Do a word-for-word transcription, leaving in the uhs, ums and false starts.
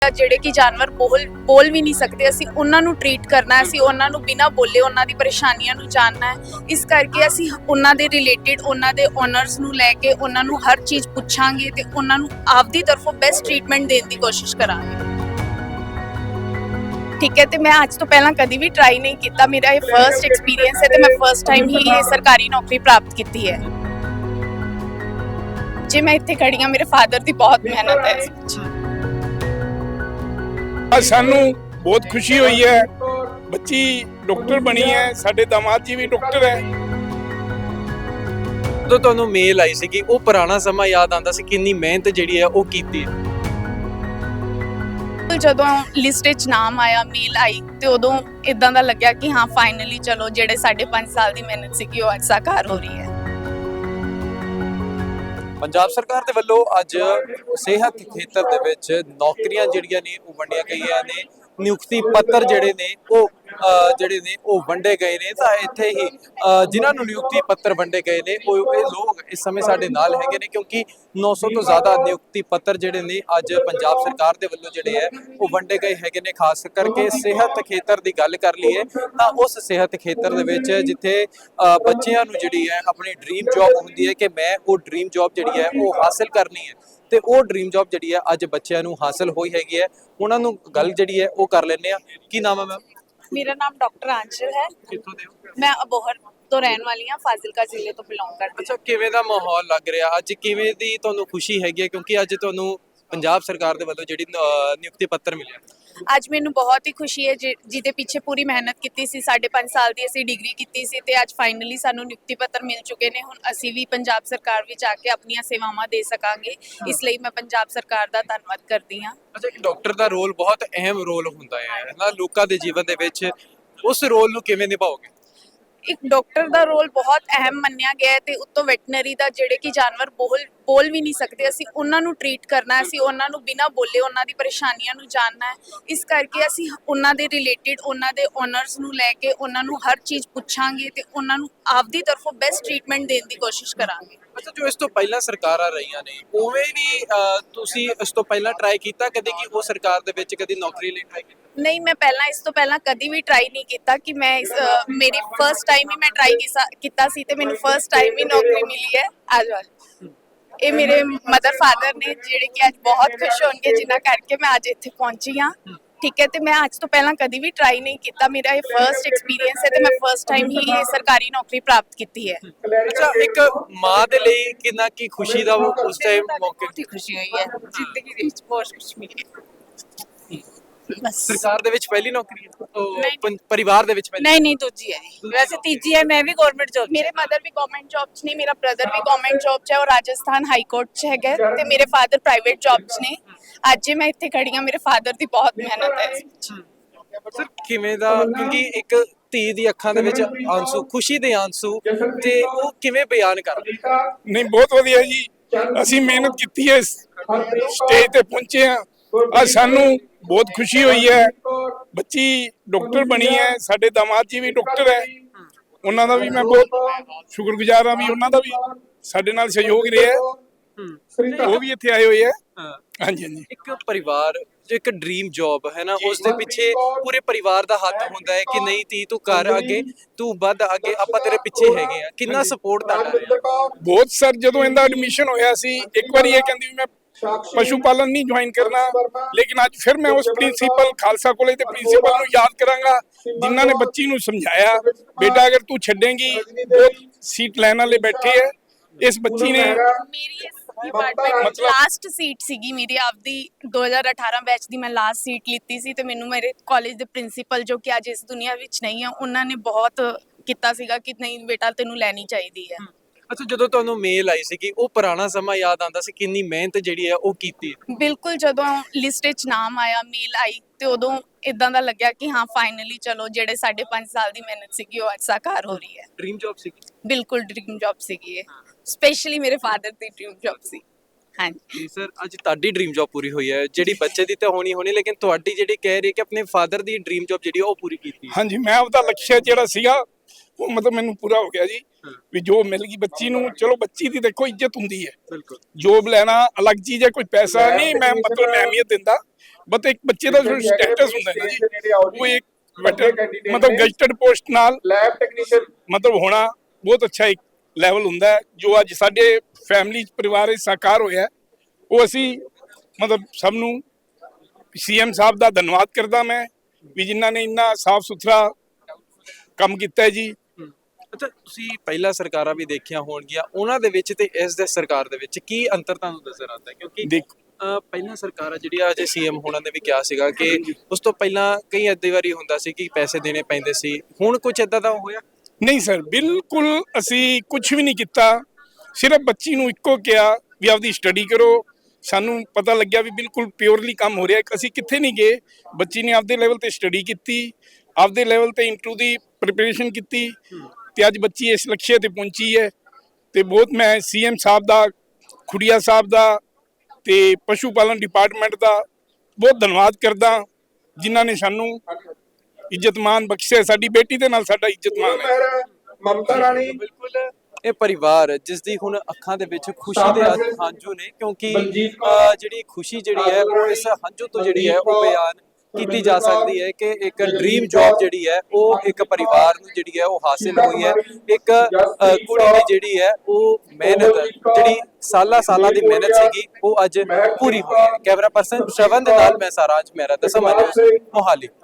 ਜਿਹੜੇ ਕਿ ਜਾਨਵਰ ਬੋਲ ਬੋਲ ਵੀ ਨਹੀਂ ਸਕਦੇ, ਅਸੀਂ ਉਹਨਾਂ ਨੂੰ ਟ੍ਰੀਟ ਕਰਨਾ ਹੈ, ਅਸੀਂ ਉਹਨਾਂ ਨੂੰ ਬਿਨਾਂ ਬੋਲੇ ਉਹਨਾਂ ਦੀ ਪਰੇਸ਼ਾਨੀਆਂ ਨੂੰ ਜਾਣਨਾ ਹੈ। ਇਸ ਕਰਕੇ ਅਸੀਂ ਉਹਨਾਂ ਦੇ ਰਿਲੇਟਿਡ ਉਹਨਾਂ ਦੇ ਓਨਰਸ ਨੂੰ ਲੈ ਕੇ ਉਹਨਾਂ ਨੂੰ ਹਰ ਚੀਜ਼ ਪੁੱਛਾਂਗੇ ਤੇ ਉਹਨਾਂ ਨੂੰ ਆਪਦੀ ਤਰਫੋਂ ਬੈਸਟ ਟ੍ਰੀਟਮੈਂਟ ਦੇਣ ਦੀ ਕੋਸ਼ਿਸ਼ ਕਰਾਂਗੇ। ਠੀਕ ਹੈ, ਤੇ ਮੈਂ ਅੱਜ ਤੋਂ ਪਹਿਲਾਂ ਕਦੀ ਵੀ ਟਰਾਈ ਨਹੀਂ ਕੀਤਾ, ਮੇਰਾ ਇਹ ਫਰਸਟ ਐਕਸਪੀਰੀਅੰਸ ਹੈ ਤੇ ਮੈਂ ਫਰਸਟ ਟਾਈਮ ਹੀ ਇਹ ਸਰਕਾਰੀ ਨੌਕਰੀ ਪ੍ਰਾਪਤ ਕੀਤੀ ਹੈ। ਜੇ ਮੈਂ ਇੱਥੇ ਖੜੀ ਹਾਂ, ਮੇਰੇ ਫਾਦਰ ਦੀ ਬਹੁਤ ਮਿਹਨਤ ਹੈ ਇਸ ਵਿੱਚ। ਸਾਨੂੰ ਬਹੁਤ ਖੁਸ਼ੀ ਹੋਈ ਹੈ, ਬੱਚੀ ਡਾਕਟਰ ਬਣੀ ਹੈ, ਸਾਡੇ ਦਾਮਾਦ ਜੀ ਵੀ ਡਾਕਟਰ ਹੈ। ਜਦੋਂ ਤੁਹਾਨੂੰ ਮੇਲ ਆਈ ਸੀ ਕਿ ਉਹ ਪੁਰਾਣਾ ਸਮਾਂ ਯਾਦ ਆਉਂਦਾ ਸੀ, ਕਿੰਨੀ ਮਿਹਨਤ ਜਿਹੜੀ ਹੈ ਉਹ ਕੀਤੀ। ਜਦੋਂ ਲਿਸਟ ਵਿੱਚ ਨਾਮ ਆਇਆ, ਮੇਲ ਆਈ ਤੇ ਉਦੋਂ ਇਦਾਂ ਦਾ ਲੱਗਿਆ ਕਿ ਹਾਂ ਫਾਈਨਲੀ ਚਲੋ ਜਿਹੜੇ ਸਾਢੇ ਪੰਜ ਸਾਲ ਦੀ ਮਿਹਨਤ ਸੀ ਕਿ ਉਹ ਅੱਜ ਸਾਕਾਰ ਹੋ ਰਹੀ ਹੈ। ਪੰਜਾਬ ਸਰਕਾਰ ਦੇ ਵੱਲੋਂ ਅੱਜ ਸਿਹਤ ਖੇਤਰ ਦੇ ਵਿੱਚ ਨੌਕਰੀਆਂ ਜਿਹੜੀਆਂ ਨੇ ਉਹ ਵੰਡੀਆਂ ਗਈਆਂ ਨੇ, ਨਿਯੁਕਤੀ ਪੱਤਰ ਜਿਹੜੇ ਨੇ ਉਹ ਜਿਹੜੇ ਨੇ ਉਹ ਵੰਡੇ ਗਏ ਨੇ। ਤਾਂ ਇੱਥੇ ਹੀ ਜਿਨ੍ਹਾਂ ਨੂੰ ਨਿਯੁਕਤੀ ਪੱਤਰ ਵੰਡੇ ਗਏ ਨੇ ਉਹ ਇਹ ਲੋਕ ਇਸ ਸਮੇਂ ਸਾਡੇ ਨਾਲ ਹੈਗੇ ਨੇ, ਕਿਉਂਕਿ ਨੌ ਸੌ ਤੋਂ ਜ਼ਿਆਦਾ ਨਿਯੁਕਤੀ ਪੱਤਰ ਜਿਹੜੇ ਨੇ ਅੱਜ ਪੰਜਾਬ ਸਰਕਾਰ ਦੇ ਵੱਲੋਂ ਜਿਹੜੇ ਹੈ ਉਹ ਵੰਡੇ ਗਏ ਹੈਗੇ ਨੇ। ਖਾਸ ਕਰਕੇ ਸਿਹਤ ਖੇਤਰ ਦੀ ਗੱਲ ਕਰ ਲਈਏ ਤਾਂ ਉਸ ਸਿਹਤ ਖੇਤਰ ਦੇ ਵਿੱਚ ਜਿੱਥੇ ਬੱਚਿਆਂ ਨੂੰ ਜਿਹੜੀ ਹੈ ਆਪਣੀ ਡ੍ਰੀਮ ਜੌਬ ਹੁੰਦੀ ਹੈ ਕਿ ਮੈਂ ਉਹ ਡ੍ਰੀਮ ਜੌਬ ਜਿਹੜੀ ਹੈ ਉਹ ਹਾਸਲ ਕਰਨੀ ਹੈ, ਤੇ ਉਹ ਡ੍ਰੀਮ ਜੌਬ ਜਿਹੜੀ ਹੈ ਅੱਜ ਬੱਚਿਆਂ ਨੂੰ ਹਾਸਲ ਹੋਈ ਹੈਗੀ ਹੈ। ਉਹਨਾਂ ਨੂੰ ਗੱਲ ਜਿਹੜੀ ਹੈ ਉਹ ਕਰ ਲੈਂਦੇ ਆ। ਕੀ ਨਾਮ ਹੈ ਮੈਮ? ਮੇਰਾ ਨਾਮ ਡਾਕਟਰ ਆਂਚਲ ਹੈ। ਕਿੱਥੋਂ ਦੇ ਹੋ? ਮੈਂ ਅਬੋਹਰ ਤੋਂ ਰਹਿਣ ਵਾਲੀ ਹਾਂ, ਫਾਜ਼ਿਲਕਾ ਜ਼ਿਲ੍ਹੇ ਤੋਂ ਬਿਲੋਂਗ ਕਰਦੀ ਹਾਂ। ਅੱਛਾ, ਕਿਵੇਂ ਦਾ ਮਾਹੌਲ ਲੱਗ ਰਿਹਾ ਅੱਜ? ਕਿਵੇਂ ਦੀ ਤੁਹਾਨੂੰ ਖੁਸ਼ੀ ਹੈਗੀ ਹੈ ਕਿਉਂਕਿ ਅੱਜ ਤੁਹਾਨੂੰ ਪੰਜਾਬ ਸਰਕਾਰ ਦੇ ਵੱਲੋਂ ਜਿਹੜੀ ਨਿਯੁਕਤੀ ਪੱਤਰ ਮਿਲਿਆ? ਅੱਜ ਮੈਨੂੰ ਬਹੁਤ ਹੀ ਖੁਸ਼ੀ ਹੈ, ਜਿਹਦੇ ਪਿੱਛੇ ਪੂਰੀ ਮਿਹਨਤ ਕੀਤੀ ਸੀ। ਸਾਢੇ ਪੰਜ ਸਾਲ ਦੀ ਅਸੀਂ ਡਿਗਰੀ ਕੀਤੀ ਸੀ ਤੇ ਅੱਜ ਫਾਈਨਲੀ ਸਾਨੂੰ ਨਿਯੁਕਤੀ ਪੱਤਰ ਮਿਲ ਚੁੱਕੇ ਨੇ। ਹੁਣ ਅਸੀਂ ਵੀ ਪੰਜਾਬ ਸਰਕਾਰ ਵਿੱਚ ਆ ਕੇ ਆਪਣੀਆਂ ਸੇਵਾਵਾਂ ਦੇ ਸਕਾਂਗੇ, ਇਸ ਲਈ ਮੈਂ ਪੰਜਾਬ ਸਰਕਾਰ ਦਾ ਧੰਨਵਾਦ ਕਰਦੀ ਹਾਂ। ਅੱਛਾ, ਇੱਕ ਡਾਕਟਰ ਦਾ ਰੋਲ ਬਹੁਤ ਅਹਿਮ ਰੋਲ ਹੁੰਦਾ ਹੈ ਨਾ ਲੋਕਾਂ ਦੇ ਜੀਵਨ ਦੇ ਵਿੱਚ, ਉਸ ਰੋਲ ਨੂੰ ਕਿਵੇਂ ਨਿਭਾਓਗੇ? ਇੱਕ ਡਾਕਟਰ ਦਾ ਰੋਲ ਬਹੁਤ ਅਹਿਮ ਮੰਨਿਆ ਗਿਆ ਹੈ ਤੇ ਉੱਤੋਂ ਵੈਟਰਨਰੀ ਦਾ ਜਿਹੜੇ ਕਿ ਜਾਨਵਰ ਬੋਲ ਬੋਲ ਵੀ ਨਹੀਂ ਸਕਦੇ, ਅਸੀਂ ਉਹਨਾਂ ਨੂੰ ਟ੍ਰੀਟ ਕਰਨਾ ਹੈ, ਅਸੀਂ ਉਹਨਾਂ ਨੂੰ ਬਿਨਾਂ ਬੋਲੇ ਉਹਨਾਂ ਦੀ ਪਰੇਸ਼ਾਨੀਆਂ ਨੂੰ ਜਾਣਨਾ ਹੈ। ਇਸ ਕਰਕੇ ਅਸੀਂ ਉਹਨਾਂ ਦੇ ਰਿਲੇਟਿਡ ਉਹਨਾਂ ਦੇ ਓਨਰਸ ਨੂੰ ਲੈ ਕੇ ਉਹਨਾਂ ਨੂੰ ਹਰ ਚੀਜ਼ ਪੁੱਛਾਂਗੇ ਤੇ ਉਹਨਾਂ ਨੂੰ ਆਪਦੀ ਤਰਫੋਂ ਬੈਸਟ ਟ੍ਰੀਟਮੈਂਟ ਦੇਣ ਦੀ ਕੋਸ਼ਿਸ਼ ਕਰਾਂਗੇ। ਅੱਛਾ, ਜੋ ਇਸ ਤੋਂ ਪਹਿਲਾਂ ਸਰਕਾਰਾਂ ਰਹੀਆਂ ਨੇ ਉਵੇਂ ਵੀ ਤੁਸੀਂ ਇਸ ਤੋਂ ਪਹਿਲਾਂ ਟਰਾਈ ਕੀਤਾ ਕਦੇ ਕਿ ਉਹ ਸਰਕਾਰ ਦੇ ਵਿੱਚ ਕਦੀ ਨੌਕਰੀ ਲਈ ਟਰਾਈ ਕੀਤਾ? ਨਹੀਂ, ਮੈਂ ਪਹਿਲਾਂ ਇਸ ਤੋਂ ਪਹਿਲਾਂ ਕਦੀ ਵੀ ਟਰਾਈ ਨਹੀਂ ਕੀਤਾ ਕਿ ਮੈਂ ਇਸ ਮੇਰੀ ਫਰਸਟ ਟਾਈਮ ਹੀ ਮੈਂ ਟਰਾਈ ਕੀਤਾ ਸੀ ਤੇ ਮੈਨੂੰ ਫਰਸਟ ਟਾਈਮ ਹੀ ਨੌਕਰੀ ਮਿਲੀ ਹੈ। ਅੱਜ ਇਹ ਮੇਰੇ ਮਦਰ ਫਾਦਰ ਨੇ ਜਿਹੜੇ ਕਿ ਅੱਜ ਬਹੁਤ ਖੁਸ਼ ਹੋਣਗੇ, ਜਿਨ੍ਹਾਂ ਕਰਕੇ ਮੈਂ ਅੱਜ ਇੱਥੇ ਪਹੁੰਚੀ ਹਾਂ। ਠੀਕ ਹੈ, ਤੇ ਮੈਂ ਅੱਜ ਤੋਂ ਪਹਿਲਾਂ ਕਦੀ ਵੀ ਟਰਾਈ ਨਹੀਂ ਕੀਤਾ, ਮੇਰਾ ਇਹ ਫਰਸਟ ਐਕਸਪੀਰੀਅੰਸ ਹੈ ਤੇ ਮੈਂ ਫਰਸਟ ਟਾਈਮ ਹੀ ਇਹ ਸਰਕਾਰੀ ਨੌਕਰੀ ਪ੍ਰਾਪਤ ਕੀਤੀ ਹੈ। ਅੱਛਾ, ਇੱਕ ਮਾਂ ਦੇ ਲਈ ਕਿੰਨਾ ਕੀ ਖੁਸ਼ੀ ਦਾ ਉਹ ਉਸ ਟਾਈਮ ਮੌਕੇ ਬਹੁਤ ਹੀ ਖੁਸ਼ੀ ਹੋਈ ਹੈ, ਜ਼ਿੰਦਗੀ ਦੇ ਵਿੱਚ ਬਹੁਤ ਕੁਝ ਮਿਲਿਆ। ਬਸ ਸਰਕਾਰ ਦੇ ਵਿੱਚ ਪਹਿਲੀ ਨੌਕਰੀ ਹੈ, ਪਰਿਵਾਰ ਦੇ ਵਿੱਚ ਪਹਿਲੀ? ਨਹੀਂ ਨਹੀਂ, ਦੂਜੀ ਹੈ ਜੀ, ਵੈਸੇ ਤੀਜੀ ਹੈ। ਮੈਂ ਵੀ ਗਵਰਨਮੈਂਟ ਜੌਬ, ਮੇਰੇ ਮਦਰ ਵੀ ਗਵਰਨਮੈਂਟ ਜੌਬ 'ਚ ਨੇ, ਮੇਰਾ ਬ੍ਰਦਰ ਵੀ ਗਵਰਨਮੈਂਟ ਜੌਬ 'ਚ ਹੈ, ਉਹ ਰਾਜਸਥਾਨ ਹਾਈ ਕੋਰਟ 'ਚ ਹੈਗਾ ਤੇ ਮੇਰੇ ਫਾਦਰ ਪ੍ਰਾਈਵੇਟ ਜੌਬ 'ਚ ਨੇ। ਅੱਜ ਜੇ ਮੈਂ ਇੱਥੇ ਖੜੀ ਹਾਂ, ਮੇਰੇ ਫਾਦਰ ਦੀ ਬਹੁਤ ਮਿਹਨਤ ਹੈ ਇਸ ਵਿੱਚ। ਸਰ, ਕਿਵੇਂ ਦਾ, ਕਿਉਂਕਿ ਇੱਕ ਧੀ ਦੀ ਅੱਖਾਂ ਦੇ ਵਿੱਚ ਆਂਸੂ, ਖੁਸ਼ੀ ਦੇ ਆਂਸੂ, ਤੇ ਉਹ ਕਿਵੇਂ ਬਿਆਨ ਕਰਦੇ? ਨਹੀਂ, ਬਹੁਤ ਵਧੀਆ ਜੀ, ਅਸੀਂ ਮਿਹਨਤ ਕੀਤੀ ਹੈ, ਸਟੇਜ ਤੇ ਪਹੁੰਚੇ ਹਾਂ। ਅੱਜ ਸਾਨੂੰ ਬਹੁਤ ਖੁਸ਼ੀ ਹੋਈ ਹੈ, ਬੱਚੀ ਡਾਕਟਰ ਬਣੀ ਹੈ, ਸਾਡੇ ਦਾਮਾਦ ਜੀ ਵੀ ਡਾਕਟਰ ਹੈ। ਉਹਨਾਂ ਦਾ ਵੀ ਮੈਂ ਬਹੁਤ ਸ਼ੁਕਰਗੁਜ਼ਾਰ ਹਾਂ ਵੀ ਉਹਨਾਂ ਦਾ ਵੀ ਸਾਡੇ ਨਾਲ ਸਹਿਯੋਗ ਰਿਹਾ, ਉਹ ਵੀ ਇੱਥੇ ਆਏ ਹੋਏ ਹੈ। ਹਾਂਜੀ ਹਾਂਜੀ, ਇੱਕ ਪਰਿਵਾਰ ਜੋ ਇੱਕ ਡ੍ਰੀਮ ਜੌਬ ਹੈ ਨਾ, ਉਸ ਦੇ ਪਿੱਛੇ ਪੂਰੇ ਪਰਿਵਾਰ ਦਾ ਹੱਥ ਹੁੰਦਾ ਹੈ ਕਿ ਨਹੀਂ ਤੀ ਤੂੰ ਕਰ ਅੱਗੇ, ਤੂੰ ਵੱਧ ਅੱਗੇ, ਆਪਾਂ ਤੇਰੇ ਪਿੱਛੇ ਹੈਗੇ ਆ। ਕਿੰਨਾ ਸਪੋਰਟ ਤੁਹਾਡਾ ਰਿਹਾ? ਬਹੁਤ ਸਰ, ਜਦੋਂ ਇਹਦਾ ਐਡਮਿਸ਼ਨ ਹੋਇਆ ਸੀ ਇੱਕ ਵਾਰੀ ਇਹ ਕਹਿੰਦੀ ਮੈਂ ਪਸ਼ੂ ਪਾਲਣ ਨਹੀਂ ਜੁਆਇਨ ਕਰਨਾ, ਲੇਕਿਨ ਅੱਜ ਫਿਰ ਮੈਂ ਉਸ ਪ੍ਰਿੰਸੀਪਲ ਖਾਲਸਾ ਕਾਲਜ ਦੇ ਪ੍ਰਿੰਸੀਪਲ ਨੂੰ ਯਾਦ ਕਰਾਂਗਾ ਜਿਨ੍ਹਾਂ ਨੇ ਬੱਚੀ ਨੂੰ ਸਮਝਾਇਆ, ਬੇਟਾ ਅਗਰ ਤੂੰ ਛੱਡੇਂਗੀ ਬਹੁਤ ਸੀਟ ਲੈਣ ਵਾਲੇ ਬੈਠੇ ਹੈ। ਇਸ ਬੱਚੀ ਨੇ ਮੇਰੀ ਇਸ ਡਿਪਾਰਟਮੈਂਟ ਲਾਸਟ ਸੀਟ ਸੀਗੀ ਮੇਰੀ ਆਪਦੀ, ਦੋ ਹਜ਼ਾਰ ਅਠਾਰਾਂ ਬੈਚ ਦੀ ਮੈਂ ਲਾਸਟ ਸੀਟ ਲਿੱਤੀ ਸੀ ਤੇ ਮੈਨੂੰ ਮੇਰੇ ਕਾਲਜ ਦੇ ਪ੍ਰਿੰਸੀਪਲ ਜੋ ਕਿ ਅੱਜ ਇਸ ਦੁਨੀਆ ਵਿੱਚ ਨਹੀਂ ਆ, ਉਹਨਾਂ ਨੇ ਬਹੁਤ ਕੀਤਾ ਸੀਗਾ ਕਿ ਨਹੀਂ ਬੇਟਾ ਤੈਨੂੰ ਲੈਣੀ ਚਾਹੀਦੀ ਹੈ। ਅੱਛਾ, ਜਦੋਂ ਤੁਹਾਨੂੰ ਮੇਲ ਆਈ ਸੀ ਕਿ ਉਹ ਪੁਰਾਣਾ ਸਮਾਂ ਯਾਦ ਆਉਂਦਾ ਸੀ, ਕਿੰਨੀ ਮਿਹਨਤ ਜਿਹੜੀ ਹੈ ਉਹ ਕੀਤੀ? ਬਿਲਕੁਲ, ਜਦੋਂ ਲਿਸਟ ਵਿੱਚ ਨਾਮ ਆਇਆ, ਮੇਲ ਆਈ ਤੇ ਉਦੋਂ ਇਦਾਂ ਦਾ ਲੱਗਿਆ ਕਿ ਹਾਂ ਫਾਈਨਲੀ ਚਲੋ ਜਿਹੜੇ ਸਾਢੇ ਪੰਜ ਸਾਲ ਦੀ ਮਿਹਨਤ ਸੀਗੀ ਉਹ ਅੱਜ ਸਾਕਾਰ ਹੋ ਰਹੀ ਹੈ। ਡ੍ਰੀਮ ਜੌਬ ਸੀ? ਬਿਲਕੁਲ ਡ੍ਰੀਮ ਜੌਬ ਸੀਗੀ ਇਹ, ਸਪੈਸ਼ਲੀ ਮੇਰੇ ਫਾਦਰ ਦੀ ਡ੍ਰੀਮ ਜੌਬ ਸੀ। ਹਾਂਜੀ ਸਰ, ਅੱਜ ਤੁਹਾਡੀ ਡ੍ਰੀਮ ਜੌਬ ਪੂਰੀ ਹੋਈ ਹੈ, ਜਿਹੜੀ ਬੱਚੇ ਦੀ ਤਾਂ ਹੋਣੀ ਹੋਣੀ, ਲੇਕਿਨ ਤੁਹਾਡੀ ਜਿਹੜੀ ਕਹਿ ਰਹੀ ਕਿ ਆਪਣੇ ਫਾਦਰ ਦੀ ਡ੍ਰੀਮ ਜੌਬ ਜਿਹੜੀ ਉਹ ਪੂਰੀ ਕੀਤੀ? ਹਾਂਜੀ, ਮੈਂ ਆਪਦਾ ਲਕਸ਼ਯ ਜਿਹੜਾ ਸੀਗਾ ਉਹ ਮਤਲਬ ਮੈਨੂੰ ਪੂਰਾ ਹੋ ਗਿਆ ਜੀ, ਵੀ ਜੋ ਮਿਲ ਗਈ ਬੱਚੀ ਨੂੰ। ਚਲੋ ਬੱਚੀ ਦੀ ਦੇਖੋ ਇੱਜ਼ਤ ਹੁੰਦੀ ਹੈ, ਬਿਲਕੁਲ, ਜੋਬ ਲੈਣਾ ਅਲੱਗ ਚੀਜ਼ ਹੈ, ਕੋਈ ਪੈਸਾ ਨਹੀਂ ਮੈਂ ਮਤਲਬ ਮੈਂ ਅਹਿਮੀਅਤ ਦਿੰਦਾ, ਬਟ ਇੱਕ ਬੱਚੇ ਦਾ ਜੋ ਸਟੇਟਸ ਹੁੰਦਾ ਹੈ ਨਾ ਜੀ, ਉਹ ਇੱਕ better ਮਤਲਬ ਗੈਜਟਡ ਪੋਸਟ ਨਾਲ ਲੈਬ ਟੈਕਨੀਸ਼ੀਅਨ ਮਤਲਬ ਹੋਣਾ ਬਹੁਤ ਅੱਛਾ ਇੱਕ ਲੈਵਲ ਹੁੰਦਾ ਹੈ, ਜੋ ਅੱਜ ਸਾਡੇ ਫੈਮਿਲੀ ਪਰਿਵਾਰ ਵਿੱਚ ਸਾਕਾਰ ਹੋਇਆ ਹੈ। ਉਹ ਅਸੀਂ ਮਤਲਬ ਸਭ ਨੂੰ ਸੀਐਮ ਸਾਹਿਬ ਦਾ ਧੰਨਵਾਦ ਕਰਦਾ ਮੈਂ ਵੀ ਜਿਨ੍ਹਾਂ ਨੇ ਇੰਨਾ ਸਾਫ ਸੁਥਰਾ ਕੰਮ ਕੀਤਾ ਹੈ ਜੀ। ਅੱਛਾ, ਤੁਸੀਂ ਪਹਿਲਾਂ ਸਰਕਾਰਾਂ ਵੀ ਦੇਖੀਆਂ ਹੋਣਗੀਆਂ, ਉਹਨਾਂ ਦੇ ਵਿੱਚ ਤੇ ਇਸ ਦੇ ਸਰਕਾਰ ਦੇ ਵਿੱਚ ਕੀ ਅੰਤਰ ਤੁਹਾਨੂੰ ਨਜ਼ਰ ਆਉਂਦਾ ਹੈ? ਕਿਉਂਕਿ ਦੇਖ ਅਹ ਪਹਿਲਾਂ ਸਰਕਾਰਾਂ ਜਿਹੜੀਆਂ ਅਜੇ ਸੀਐਮ ਹੋਣਾ ਨੇ ਵੀ ਕਿਹਾ ਸੀਗਾ ਕਿ ਉਸ ਤੋਂ ਪਹਿਲਾਂ ਕਈ ਏਦਾਂ ਵਾਰੀ ਹੁੰਦਾ ਸੀ ਕਿ ਪੈਸੇ ਦੇਣੇ ਪੈਂਦੇ ਸੀ, ਹੁਣ ਕੁਝ ਏਦਾਂ ਦਾ ਹੋਇਆ? ਨਹੀਂ ਸਰ, ਬਿਲਕੁਲ ਅਸੀਂ ਕੁਝ ਵੀ ਨਹੀਂ ਕੀਤਾ, ਸਿਰਫ ਬੱਚੀ ਨੂੰ ਇੱਕੋ ਕਿਹਾ ਵੀ ਆਪਦੀ ਸਟੱਡੀ ਕਰੋ। ਸਾਨੂੰ ਪਤਾ ਲੱਗਿਆ ਵੀ ਬਿਲਕੁਲ ਪਿਓਰਲੀ ਕੰਮ ਹੋ ਰਿਹਾ, ਅਸੀਂ ਕਿੱਥੇ ਨਹੀਂ ਗਏ। ਬੱਚੀ ਨੇ ਆਪਦੇ ਲੈਵਲ ਤੇ ਸਟੱਡੀ ਕੀਤੀ, ਆਪਦੇ ਲੈਵਲ ਤੇ ਇੰਟਰਵਿਊ ਦੀ ਪ੍ਰਿਪਰੇਸ਼ਨ ਕੀਤੀ ਤੇ ਅੱਜ ਬੱਚੀ ਇਸ ਲਕਸ਼ੇ ਤੇ ਪਹੁੰਚੀ ਹੈ। ਤੇ ਬਹੁਤ ਮੈਂ ਸੀਐਮ ਸਾਹਿਬ ਦਾ, ਖੁੜੀਆ ਸਾਹਿਬ ਦਾ ਤੇ ਪਸ਼ੂ ਪਾਲਣ ਡਿਪਾਰਟਮੈਂਟ ਦਾ ਬਹੁਤ ਧੰਨਵਾਦ ਕਰਦਾ, ਜਿਨ੍ਹਾਂ ਨੇ ਸਾਨੂੰ ਇੱਜ਼ਤ ਮਾਨ ਬਖਸ਼ਿਆ। ਸਾਡੀ ਬੇਟੀ ਦੇ ਨਾਲ ਸਾਡਾ ਇੱਜ਼ਤ ਮਾਨ ਹੈ। ਮਮਤਾ ਰਾਣੀ ਬਿਲਕੁਲ ਇਹ ਪਰਿਵਾਰ ਜਿਸ ਦੀ ਹੁਣ ਅੱਖਾਂ ਦੇ ਵਿੱਚ ਖੁਸ਼ੀ ਦੇ ਹੰਝੂ ਨੇ, ਕਿਉਂਕਿ ਅਹ ਜਿਹੜੀ ਖੁਸ਼ੀ ਜਿਹੜੀ ਹੈ ਉਹ ਇਸ ਹੰਝੂ ਤੋਂ ਜਿਹੜੀ ਹੈ ਉਹ ਬਿਆਨ ਕੀਤੀ ਜਾ ਸਕਦੀ ਹੈ ਕਿ ਇੱਕ ਡ੍ਰੀਮ ਜੌਬ ਜਿਹੜੀ ਹੈ ਉਹ ਇੱਕ ਪਰਿਵਾਰ ਨੂੰ ਜਿਹੜੀ ਹੈ ਉਹ ਹਾਸਿਲ ਹੋਈ ਹੈ। ਇੱਕ ਅਹ ਕੁੜੀ ਦੀ ਜਿਹੜੀ ਹੈ ਉਹ ਮਿਹਨਤ, ਜਿਹੜੀ ਸਾਲਾਂ ਸਾਲਾਂ ਦੀ ਮਿਹਨਤ ਸੀਗੀ, ਉਹ ਅੱਜ ਪੂਰੀ ਹੋਈ ਹੈ। ਕੈਮਰਾ ਪਰਸਨ ਸ਼ਰਵਨ ਦੇ ਨਾਲ ਮੈਂ ਸਾਰਾਂਸ਼ ਮਹਿਰਾ, ਦਸਮ ਨਿਊਜ਼, ਮੋਹਾਲੀ।